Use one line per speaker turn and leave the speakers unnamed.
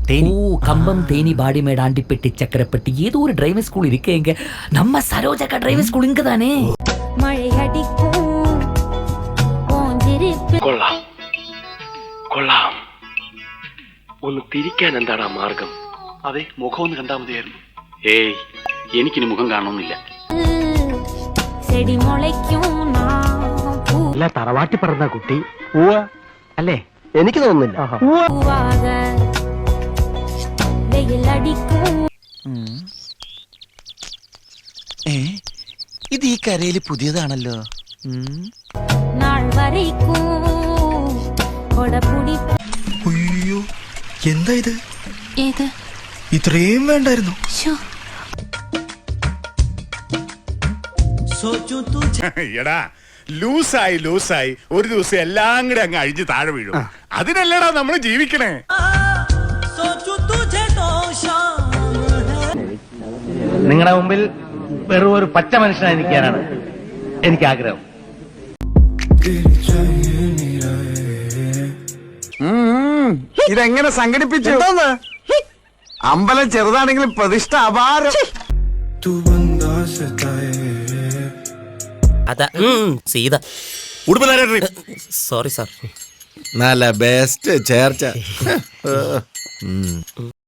கம்பம் தேனி பாடிமேடு ஆண்டிப்பட்டி சக்கரப்பட்டி ஏதோ ஒரு driving school இருக்கேங்க. நம்ம சரோஜக்கா டிரைவிங் ஸ்கூல் இங்க தானே.
மழை அடிக்கும்
കൊള്ളാം കൊള്ളാം. ഒന്ന് തിരിക്കാൻ എന്താടാ മാർഗം?
അതെ, മുഖം ഒന്ന് കണ്ടാൽ മതിയായിരുന്നു.
ഏയ്, എനിക്കിനി മുഖം കാണണമെന്നില്ല.
செடி முளைக்கும்
അല്ല തറവാട്ടി പറഞ്ഞ കുട്ടി അല്ലേ?
എനിക്ക് തോന്നുന്നില്ല.
பூவாக வெயில் அடிக்கும்.
ഇത് ഈ കരയില് പുതിയതാണല്ലോ.
நாள் வரைக்கும் கொடபுடி.
അയ്യോ, എന്താ ഇത്?
ഏത്
ഇത്രയും വേണ്ടായിരുന്നു.
എടാ, ലൂസായി ഒരു ദിവസം എല്ലാം കൂടെ അങ്ങ് അഴിഞ്ഞ് താഴെ വീഴും. അതിനല്ലടാ നമ്മൾ ജീവിക്കണേ.
നിങ്ങളുടെ മുമ്പിൽ വെറും ഒരു പച്ച മനുഷ്യനായി നിൽക്കാനാണ് എനിക്ക് ആഗ്രഹം.
ഇതെങ്ങനെ സംഘടിപ്പിച്ചു? അമ്പലം ചെറുതാണെങ്കിലും പ്രതിഷ്ഠ അപാരം.
അതാ സീത. Sorry sir.
നല്ല ബെസ്റ്റ് ചേർച്ച.